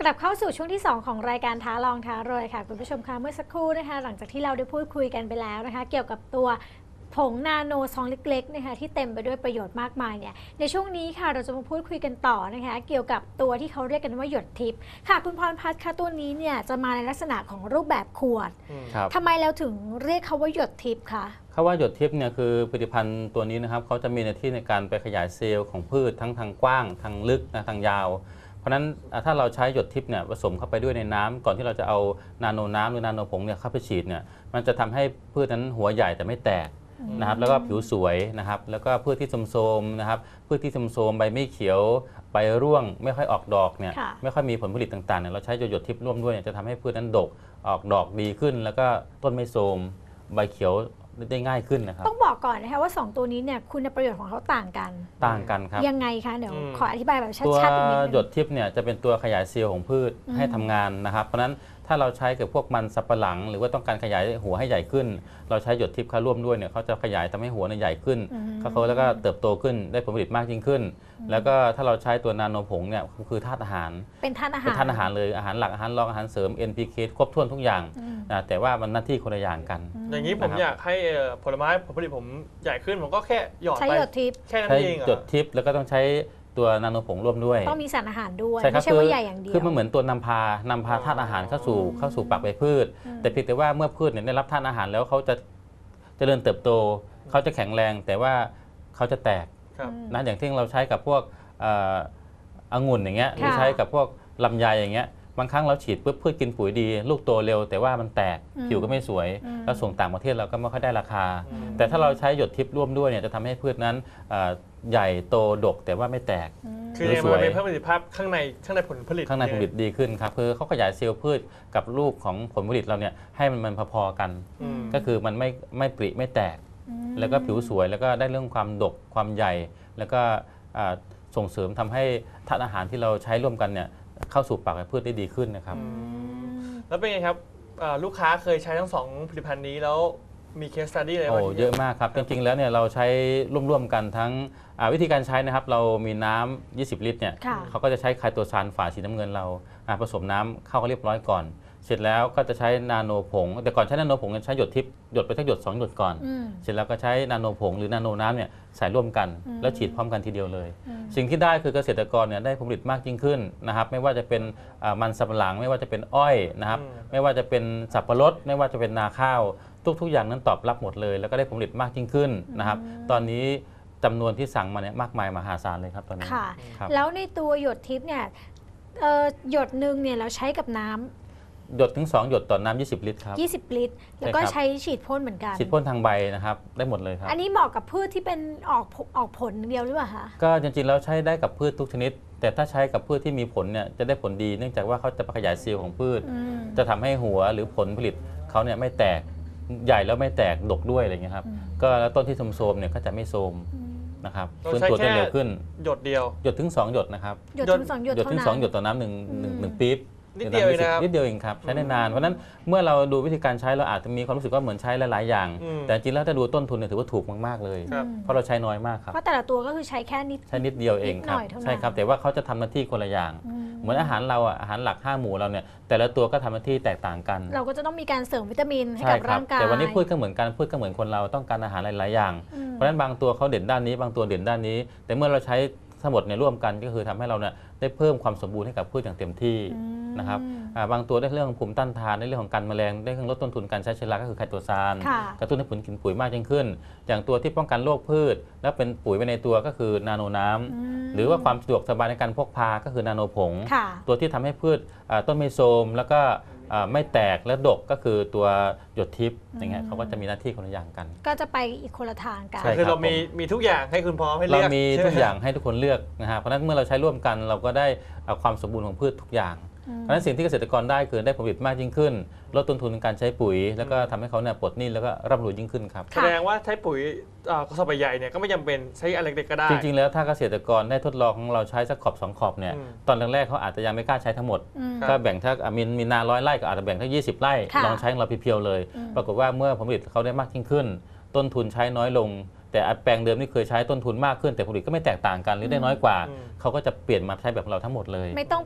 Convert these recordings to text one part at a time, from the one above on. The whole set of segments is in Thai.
ดับเข้าสู่ช่วงที่ 2 ของรายการท้าลองท้ารวยค่ะคุณผู้ชมคะเมื่อสักครู่นะคะหลังจากที่เราได้พูดคุยกันไปแล้วนะคะเกี่ยวกับตัวผงนาโนซองเล็กๆนะคะที่เต็มไปด้วยประโยชน์มากมายเนี่ยในช่วงนี้ค่ะเราจะมาพูดคุยกันต่อนะคะเกี่ยวกับตัวที่เขาเรียกกันว่าหยดทิพย์ค่ะคุณพรพัฒน์คะตัวนี้เนี่ยจะมาในลักษณะของรูปแบบขวดทำไมแล้วถึงเรียกเขาว่าหยดทิพย์คะคำว่าหยดทิพย์เนี่ยคือผลิตภัณฑ์ตัวนี้นะครับเขาจะมีหน้าที่ในการไปขยายเซลล์ของพืชทั้งทางกว้างทางลึกทางยาวเพราะฉะนั้นถ้าเราใช้หยดทิพย์เนี่ยผสมเข้าไปด้วยในน้ำก่อนที่เราจะเอานาโนน้ำหรือนาโนผงเนี่ยเข้าไปฉีดเนี่ยมันจะทำให้พืชนั้นหัวใหญ่แต่ไม่แตกนะครับแล้วก็ผิวสวยนะครับแล้วก็พืชที่โทรมๆนะครับพืชที่โทรมๆใบไม่เขียวใบร่วงไม่ค่อยออกดอกเนี่ยไม่ค่อยมีผลผลิตต่างๆเนี่ยเราใช้หยดทิพย์ร่วมด้วยเนี่ยจะทำให้พืชนั้นดกออกดอกดีขึ้นแล้วก็ต้นไม่โทรมใบเขียวได้ง่ายขึ้นนะครับต้องบอกก่อนนะคะว่า2ตัวนี้เนี่ยคุณประโยชน์ของเขาต่างกันครับยังไงคะเดี๋ยวขออธิบายแบบชัดๆตัวหยดทิพย์เนี่ยจะเป็นตัวขยายเซลล์ของพืชให้ทำงานนะครับเพราะฉะนั้นถ้าเราใช้กับพวกมันสับปะหลังหรือว่าต้องการขยายหัวให้ใหญ่ขึ้นเราใช้หยดทิพย์เข้าร่วมด้วยเนี่ยเขาจะขยายทำให้หัวใหญ่ขึ้นเขาแล้วก็เติบโตขึ้นได้ผลผลิตมากยิ่งขึ้นแล้วก็ถ้าเราใช้ตัวนาโนผงเนี่ยคือธาตุอาหารเป็นธาตุอาหารเลยอาหารหลักอาหารรองอาหารเสริม NPK ครบถ้วนทุกอย่างนะแต่ว่ามันหน้าที่คนละอย่างกันอย่างนี้ผมอยากให้ผลไม้ผลผลิตผมใหญ่ขึ้นผมก็แค่หยอดไปใช้หยดทิพย์แค่นั้นเองหยดทิพย์แล้วก็ต้องใช้ตัวนาโนผงร่วมด้วยต้องมีสารอาหารด้วยไม่ใช่ว่าใหญ่อย่างเดียวคือมันเหมือนตัวนำพาธาตุอาหารเข้าสู่ปากใบพืชแต่เพียงแต่ว่าเมื่อพืชเนี่ยได้รับธาตุอาหารแล้วเขาจะเจริญเติบโตเขาจะแข็งแรงแต่ว่าเขาจะแตกนะอย่างที่เราใช้กับพวกองุ่นอย่างเงี้ยหรือใช้กับพวกลำไยอย่างเงี้ยบางครั้งเราฉีดปุ๊บพืชกินปุ๋ยดีลูกโตเร็วแต่ว่ามันแตกผิวก็ไม่สวยแล้วส่งต่างประเทศเราก็ไม่ค่อยได้ราคาแต่ถ้าเราใช้หยดทิพย์ร่วมด้วยเนี่ยจะทำให้พืชนั้นใหญ่โตดกแต่ว่าไม่แตกคือมันเป็นเพิ่มประสิทธิภาพข้างในผลผลิตดีขึ้นครับคือเขาขยายเซลล์พืชกับลูกของผลผลิตเราเนี่ยให้มันพอๆกันก็คือมันไม่ปริไม่แตกแล้วก็ผิวสวยแล้วก็ได้เรื่องความดกความใหญ่แล้วก็ส่งเสริมทำให้ธาตุอาหารที่เราใช้ร่วมกันเนี่ยเข้าสู่ปากพืชได้ดีขึ้นนะครับแล้วเป็นไงครับลูกค้าเคยใช้ทั้ง2ผลิตภัณฑ์นี้แล้วมีเคสสตัดดี้อะไรบ้างเยอะมากครับจริงๆแล้วเนี่ยเราใช้ร่วมๆกันทั้งวิธีการใช้นะครับเรามีน้ำ20 ลิตรเนี่ยเขาก็จะใช้ไคโตซานฝาสีน้ำเงินเราผสมน้ำเข้าเรียบร้อยก่อนเสร็จแล้วก็จะใช้นาโนผงแต่ก่อนใช้นาโนผงใช้หยดทิพย์หยดไปสักหยด2 หยดก่อนเสร็จแล้วก็ใช้นาโนผงหรือนาโนน้ำเนี่ยใส่ร่วมกันแล้วฉีดพร้อมกันทีเดียวเลยสิ่งที่ได้คือเกษตรกรเนี่ยได้ผลผลิตมากยิ่งขึ้นนะครับไม่ว่าจะเป็นมันสำปะหลังไม่ว่าจะเป็นอ้อยนะครับไม่ว่าจะเป็นสับปะรดไม่ว่าจะเป็นนาข้าวทุกอย่างนั้นตอบรับหมดเลยแล้วก็ได้ผลผลิตมากยิ่งขึ้นนะครับตอนนี้จำนวนที่สั่งมาเนี่ยมากมายมหาศาลเลยครับตอนนี้ค่ะแล้วในตัวหยดทิพย์เนี่ยหยดหนึ่งเนี่ยเราใช้กับน้ำหยดถึง2 หยดต่อน้ำ20 ลิตรครับ 20 ลิตรแล้วก็ใช้ฉีดพ่นเหมือนกันฉีดพ่นทางใบนะครับได้หมดเลยครับอันนี้เหมาะกับพืชที่เป็นออกผลเดียวหรือเปล่าคะก็จริงๆแล้วใช้ได้กับพืชทุกชนิดแต่ถ้าใช้กับพืชที่มีผลเนี่ยจะได้ผลดีเนื่องจากว่าเขาจะขยายเซลล์ของพืชจะทำให้หัวหรือผลผลิตเขาเนี่ยไม่แตกใหญ่แล้วไม่แตกดกด้วยอะไรเงี้ยครับก็แล้วต้นที่โทรมเนี่ยก็จะไม่โทรมนะครับฟื้นตัวได้เร็วขึ้นหยดเดียวหยดถึง2 หยดนะครับหยดถึง2 หยดต่อน้ำหนึ่งปี๊บนิดเดียวเองครับใช้ได้นานเพราะนั้นเมื่อเราดูวิธีการใช้เราอาจจะมีความรู้สึกว่าเหมือนใช้หลายๆอย่างแต่จริงแล้วถ้าดูต้นทุนเนี่ยถือว่าถูกมากๆเลยเพราะเราใช้น้อยมากครับเพราะแต่ละตัวก็คือใช้แค่นิดเดียวเองครับใช่ครับแต่ว่าเขาจะทำหน้าที่คนละอย่างเหมือนอาหารเราอาหารหลัก5 หมู่เราเนี่ยแต่ละตัวก็ทำหน้าที่แตกต่างกันเราก็จะต้องมีการเสริมวิตามินให้กับร่างกายแต่วันนี้พืชก็เหมือนกันพืชก็เหมือนคนเราต้องการอาหารหลายๆอย่างเพราะฉะนั้นบางตัวเขาเด่นด้านนี้บางตัวเด่นด้านนี้แต่เมื่อเราใช้ทั้งหมดเนี่ยร่วมกันก็คือทำให้เราเนี่ยได้เพิ่มความสมบูรณ์ให้กับพืชอย่างเต็มที่นะครับบางตัวได้เรื่องภูมิต้านทานในเรื่องของการแมลงได้เรื่องลดต้นทุนการใช้เชื้อราก็คือไคโตซานกระตุ้นให้ผลกินปุ๋ยมากยิ่งขึ้นอย่างตัวที่ป้องกันโรคพืชและเป็นปุ๋ยไปในตัวก็คือนาโนน้ำหรือว่าความสะดวกสบายในการพกพาก็คือนาโนผงตัวที่ทำให้พืชต้นไม่โทรมแล้วก็ไม่แตกและดกก็คือตัวหยดทิพย์อย่างเงี้ยเขาก็จะมีหน้าที่คนละอย่างกันก็จะไปอีกคนละทางกันคือเรามีทุกอย่างให้คุณพร้อมให้เลือกเรามีทุกอย่างให้ทุกคนเลือกนะฮะเพราะฉะนั้นเมื่อเราใช้ร่วมกันเราก็ได้ความสมบูรณ์ของพืชทุกอย่างเพราะฉะนั้นสิ่งที่เกษตรกรได้คือได้ผลผลิตมากยิ่งขึ้นลดต้นทุนในการใช้ปุ๋ยแล้วก็ทำให้เขาเนี่ยปลดหนี้แล้วก็ร่ำรวยยิ่งขึ้นครับแสดงว่าใช้ปุ๋ยกระสอบใหญ่เนี่ยก็ไม่จำเป็นใช้อะไรเล็กก็ได้จริงๆแล้วถ้าเกษตรกรได้ทดลองของเราใช้สักขอบ2 ขอบเนี่ยตอนแรกๆเขาอาจจะยังไม่กล้าใช้ทั้งหมดก็แบ่งถ้ามีนา100 ไร่ก็อาจจะแบ่งทั้ง20 ไร่ลองใช้ของเราเพียวๆเลยปรากฏว่าเมื่อผลผลิตเขาได้มากยิ่งขึ้นต้นทุนใช้น้อยลงแต่แปลงเดิมที่เคยใช้ต้นทุนมากขึ้นแต่ผลผลิตก็ไม่แตกต่างกันหรือได้น้อยกว่าเขาก็จะเปลี่ยนมาใช้แบบเราทั้งหมดเลยไม่ต้อง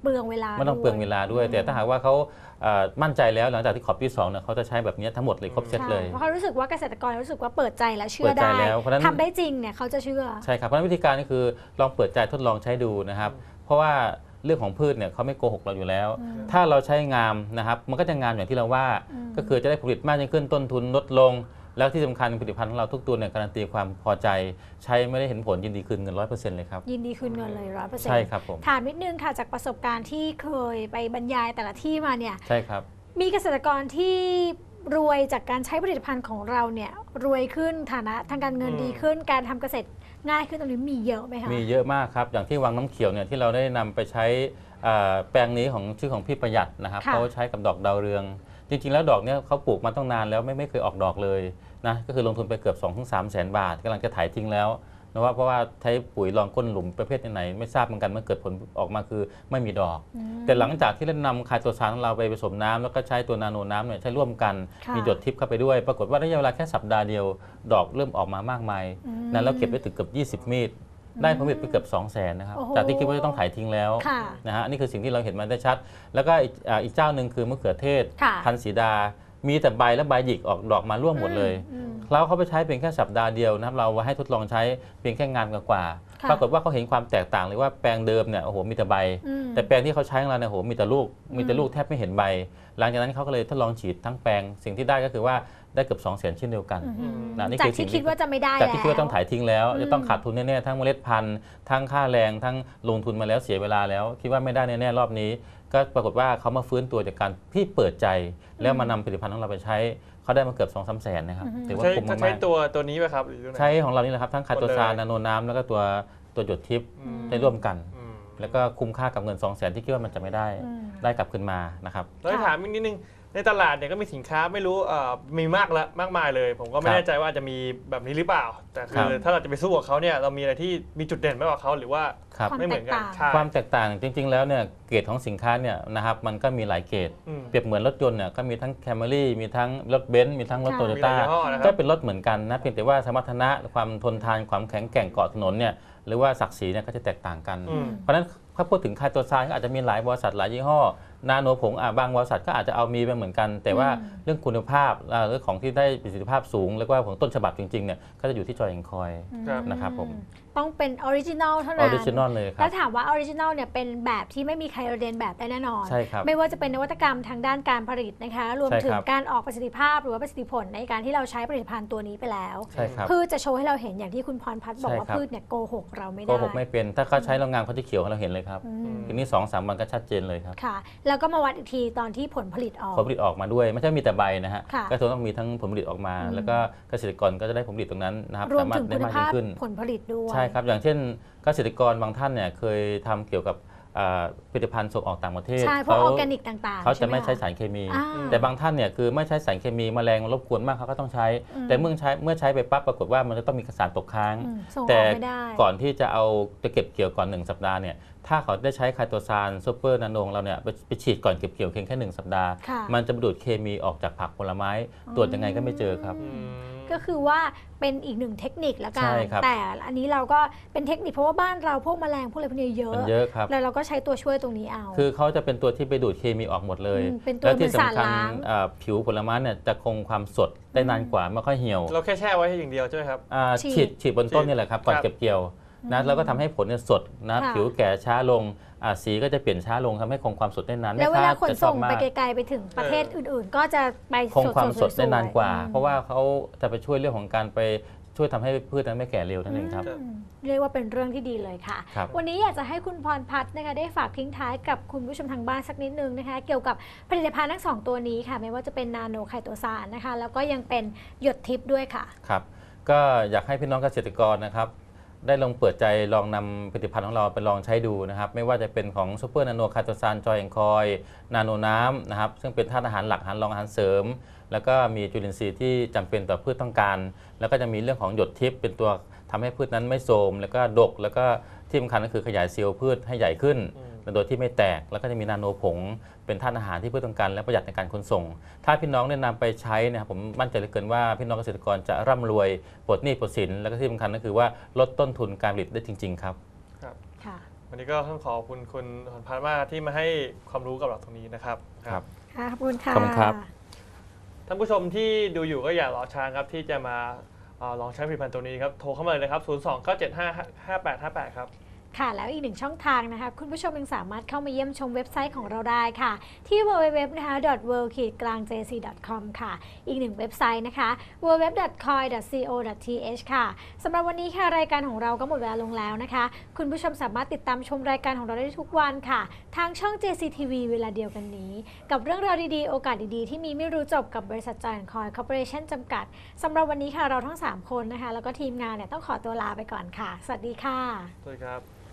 ปลืองเวลาไม่ต้องเปลืองเวลาด้วยอืมแต่ถ้าหากว่าเขามั่นใจแล้วหลังจากที่ขอบที่2เนี่ยเขาจะใช้แบบนี้ทั้งหมดเลยครบเซตเลยเพราะเขารู้สึกว่าเกษตรกรรู้สึกว่าเปิดใจและเชื่อเปิดใจได้แล้วเพราะฉะนั้นทำได้จริงเนี่ยเขาจะเชื่อใช่ครับเพราะฉะนั้นวิธีการก็คือลองเปิดใจทดลองใช้ดูนะครับ เพราะว่าเรื่องของพืชเนี่ยเขาไม่โกหกเราอยู่แล้ว ถ้าเราใช้งามนะครับมันก็จะงามอย่างที่เราว่า ก็คือจะได้ผลิตมากยิ่งขึ้นต้นทุนลดลง แล้วที่สำคัญผลิตภัณฑ์ของเราทุกตัวเนี่ยการันตีความพอใจ ใช้ไม่ได้เห็นผลยินดีคืนเงิน 100% เลยครับยินดีคืนเงินเลย100% ใช่ครับผมถามนิดนึงค่ะจากประสบการณ์ที่เคยไปบรรยายแต่ละที่มาเนี่ยใช่ครับมีเกษตรกรที่รวยจากการใช้ผลิตภัณฑ์ของเราเนี่ยรวยขึ้นฐานะทางการเงินดีขึ้น การทำเกษตรง่ายขึ้นตรงนี้มีเยอะไหมคะมีเยอะมากครับอย่างที่วังน้ำเขียวเนี่ยที่เราได้นำไปใช้แปลงนี้ของชื่อของพี่ประหยัดนะครับค่ะเขาใช้กับดอกดาวเรือง จริงๆแล้วดอกเนี่ยเขาปลูกมาตั้งนานแล้วไม่เคยออกดอกเลยนะก็คือลงทุนไปเกือบ 2-3 แสนบาทกำลังจะถ่ายทิ้งแล้วนะว่าเพราะว่าใช้ปุ๋ยรองก้นหลุมประเภทไหนไม่ทราบเหมือนกันมันเกิดผลออกมาคือไม่มีดอก แต่หลังจากที่เรานำไคโตซานของเราไปผสมน้ำแล้วก็ใช้ตัวนาโนน้ำเนี่ยใช้ร่วมกันค่ะมีหยดทิพย์เข้าไปด้วย ปรากฏว่าระยะเวลาแค่สัปดาห์เดียวดอกเริ่มออกมามากมายนั้นเราเก็บได้ถึงเกือบ20 มีดได้ผลผลิตไปเกือบ 200,000 นะครับโอ้โหจากที่คิดว่าจะต้องถ่ายทิ้งแล้วค่ะนะฮะนี่คือสิ่งที่เราเห็นมาได้ชัด แล้วก็อีกเจ้าหนึ่งคือมะเขือเทศค่ะพันธุ์สีดา มีแต่ใบและใบหยิกออกดอกมาร่วงหมดเลยอืมเราเขาไปใช้เพียงแค่สัปดาห์เดียวนะครับเราให้ทดลองใช้เพียงแค่งานกว่าๆค่ะปรากฏว่าเขาเห็นความแตกต่างเลยว่าแปลงเดิมเนี่ยโอ้โหมีแต่ใบอืมแต่แปลงที่เขาใช้ของเราเนี่ยโอ้โหมีแต่ลูกแทบไม่เห็นใบ หลังจากนั้นเขาก็เลยทดลองฉีดทั้งแปลงสิ่งที่ได้ก็คือว่าได้เกือบ200,000เช่นเดียวกัน นะนี่จากคือสิ่ที่งคิดว่าจะไม่ได้จากที่คิดว่าต้องถ่ายทิ้งแล้วอืมจะต้องขาดทุนแน่ๆทั้งเมล็ดพันธุ์ทั้งค่าแรงทั้งลงทุนมาแล้วเสียเวลาแล้ว คิดว่าไม่ได้แน่ๆรอบนี้ ก็ปรากฏว่าเขามาฟื้นตัวจากการที่เปิดใจ แล้วมานำผลิตภัณฑ์ของเราไปใช้เขาได้มาเกือบ 2-3 แสนนะครับถือว่าใช้คุ้มใช้มากตัวนี้ไหมครับหรือตัวไหนๆใช้ของเรานี่แหละครับทั้งไคโตซานหมดเลยนาโนน้ำแล้วก็ตัวหยดทิพย์อืมได้ร่วมกันอืมแล้วก็คุ้มค่ากับเงิน 200,000ที่คิดว่ามันจะไม่ได้อืมได้กลับคืนมานะครับแล้วถามอีกนิดนึงในตลาดเนี่ยก็มีสินค้าไม่รู้มีมากมายเลย ผมก็ไม่ครับแน่ใจว่าจะมีแบบนี้หรือเปล่า แต่คืครัอบ ถ้าเราจะไปสู้กับเขาเนี่ยเรามีอะไรที่มีจุดเด่นมากกว่าเขาหรือว่าครับความไม่เหมือนกันแตกต่างใช่ความแตกต่างจริง ๆ แล้วเนี่ยเกรดของสินค้าเนี่ยนะครับมันก็มีหลายเกรดอืมเปรียบเหมือนรถยนต์เนี่ยก็มีทั้ง Camry มีทั้งรถเบนซ์มีทั้งรถค่ะโตโยมีหลาต้ายยี่ห้อนะครับก็เป็นรถเหมือนกันนะเพียงแต่ว่าสมรรถนะความทนทานความแข็งแกร่งเกาะถนนเนี่ยหรือว่าศักดิ์ศรีเนี่ยก็จะแตกต่างกันอืมเพราะฉะนั้นถ้าพูดถึงไคโตซานก็อาจจะมีหลายบริษัทหลายยี่ห้อนาโนผงบางบริษัทก็อาจจะเอามีไปเหมือนกัน แต่ว่าเรื่องคุณภาพเรื่องของที่ได้ประสิทธิภาพสูง แล้วก็ของต้นฉบับจริงๆเนี่ยก็จะอยู่ที่จอยแองคอยครับนะครับผมต้องเป็นออริจินัลเท่าอนั้อน ริจินอลเลยครัแล้บวถามว่าออริจินัลเนี่ยเป็นแบบที่ไม่มีใครเรียนแบบได้แน่นอนใช่ครับไม่ว่าจะเป็นนวัตกรรมทางด้านการผลิตนะคะ รวมใช่ถึงครับการออกประสิทธิภาพหรือว่าประสิทธิผลในการที่เราใช้ผลิตภัณฑ์ตัวนี้ไปแล้วใช่ครับพืชจะโชว์ให้เราเห็นอย่างที่คุณพรพัฒน์บอกว่าใช่ครับพืชเนี่ยโกหกเราไม่โกได้หกไม่เป็นถ้าเขาใช้โรงงานเขาจะเขียวให้เราเห็นเลยครับอืมทีนี้ 2-3 วันก็ชัดเจนเลยครับค่ะ แล้วก็มาวัดอีกทีตอนที่ผลผลิตออกผลผลิตออกมาด้วยไม่ใช่มีแต่ใบนะฮะค่ะก็ต้องมีทั้งผลผลิตออกมา แล้วก็เกษตรกรก็จะได้ผลผลิตตรงนั้นนะครับรวมสามารถถึงได้คุณมากภายิ่พงขึ้นผลผลิตด้วยใช่ครับอย่างเช่นเกษตรกรบางท่านเนี่ยเคยทำเกี่ยวกับผลิตภัณฑ์ส่งออกต่างประเทศใช่พวกออร์แกนิกต่างๆเขาจะไม่หใช้สารเคมีอ่าแต่บางท่านเนี่ยคือไม่ใช้สารเคมีแมลงรบกวนมากเขาก็ต้องใช้ แต่เมื่อใช้ไปปั๊บปรากฏว่ามันจะต้องมีสารตกค้างส่งอแต่อกไม่ได้ก่อนที่จะเก็บเกี่ยวก่อน1สัปดาห์เนี่ยถ้าเขาได้ใช้ไคโตซานซูเปอร์นาโนของเราเนี่ยไปฉีดก่อนเก็บเกี่ยวเพียงแค่1สัปดาห์ค่ะมันจะดูดเคมีออกจากผักผลไม้ตรวจยังไงก็ไม่เจอครับอืมก็คือว่าเป็นอีกหนึ่งเทคนิคแล้วกัใช่นครับแต่อันนี้เราก็เป็นเทคนิคเพราะว่าบ้านเราพวกแมลงพวกอะไรพวกนี้เยอะมันเยอะครับแล้วเราก็ใช้ตัวช่วยตรงนี้เอาคือเขาจะเป็นตัวที่ไปดูดเคมีออกหมดเลยเป็นตัวแล้วเหมืที่อนสารสำคัญล้างผิวผลไม้เนี่ยจะคงความสดได้นานกว่าไม่ค่อยเหี่ยวเราแค่แช่ไว้อย่างเดียวใช่ไหมครับฉีดบนต้นนี่แหละครับก่อนครับเก็บเกี่ยวนะแล้วก็ทำให้ผลเนี่ยสดนะค่ะผิวแก่ช้าลงสีก็จะเปลี่ยนช้าลงทำให้คงความสดได้นานแล้วเวลาขนจะชอส่บงมาไปกไกลๆไปถึงประเทศอื่นๆ ก็จะไปคงความสดได้นานกว่าๆเพราะว่าเขาจะไปช่วยเรื่องของการไปช่วยทำให้พืชนั้นไม่แก่เร็วนั่นเองครับเรียกว่าเป็นเรื่องที่ดีเลยค่ะครับวันนี้อยากจะให้คุณพรพัฒน์นะคะได้ฝากทิ้งท้ายกับคุณผู้ชมทางบ้านสักนิดนึงนะคะ เกี่ยวกับผลิตภัณฑ์ทั้งสองตัวนี้ค่ะ ไม่ว่าจะเป็นนาโนไคโตซานนะคะ แล้วก็ยังเป็นหยดทิพย์ด้วยค่ะครับก็อยากให้พี่น้องเกษตรกรนะครับได้ลองเปิดใจลองนำผลิตภัณฑ์ของเราไปลองใช้ดูนะครับไม่ว่าจะเป็นของซูเปอร์นาโนไคโตซานจอยแองคอยนาโนน้ำนะครับซึ่งเป็นธาตุอาหารหลักอาหารรองอาหารเสริม แล้วก็มีจุลินทรีย์ที่จำเป็นต่อพืชต้องการ แล้วก็จะมีเรื่องของหยดทิพย์เป็นตัวทำให้พืชนั้นไม่โทรมแล้วก็ดกแล้วก็ที่สำคัญก็คือขยายเซลล์พืชให้ใหญ่ขึ้น โดยที่ไม่แตกแล้วก็จะมีนาโนผงเป็นธาตุอาหารที่พืชต้องการและประหยัดในการขนส่ง ถ้าพี่น้องได้นำไปใช้นะครับผมมั่นใจเหลือเกินว่าพี่น้องเกษตรกรจะร่ำรวยปลดหนี้ปลดสินแล้วก็ที่สำคัญก็คือว่าลดต้นทุนการผลิตได้จริง ๆ ครับค่ะวันนี้ก็ต้องขอบคุณคุณหอนพันธ์มากที่มาให้ความรู้กับเราตรงนี้นะครับครับค่ะขอบคุณค่ะขอบคุณครับท่านผู้ชมที่ดูอยู่ก็อย่ารอช้าครับที่จะมาลองใช้ผลิตภัณฑ์ตัวนี้ครับโทรเข้ามาเลยนะครับ 029755858 ครับค่ะแล้วอีกหนึ่งช่องทางนะคะคุณผู้ชมยังสามารถเข้ามาเยี่ยมชมเว็บไซต์ของเราได้ค่ะที่ www นะคะ world-jc.com ค่ะอีกหนึ่งเว็บไซต์นะคะ www.coin.co.th ค่ะสำหรับวันนี้ค่ะรายการของเราก็หมดเวลาลงแล้วนะคะคุณผู้ชมสามารถติดตามชมรายการของเราได้ทุกวันค่ะทางช่อง JCTV เวลาเดียวกันนี้กับเรื่องราวดีๆโอกาสดีๆที่มีไม่รู้จบกับบริษัท Joy Coin Corporation จำกัดสำหรับวันนี้ค่ะเราทั้ง3คนนะคะแล้วก็ทีมงานเนี่ยต้องขอตัวลาไปก่อนค่ะสวัสดีค่ะสวัสดีครับ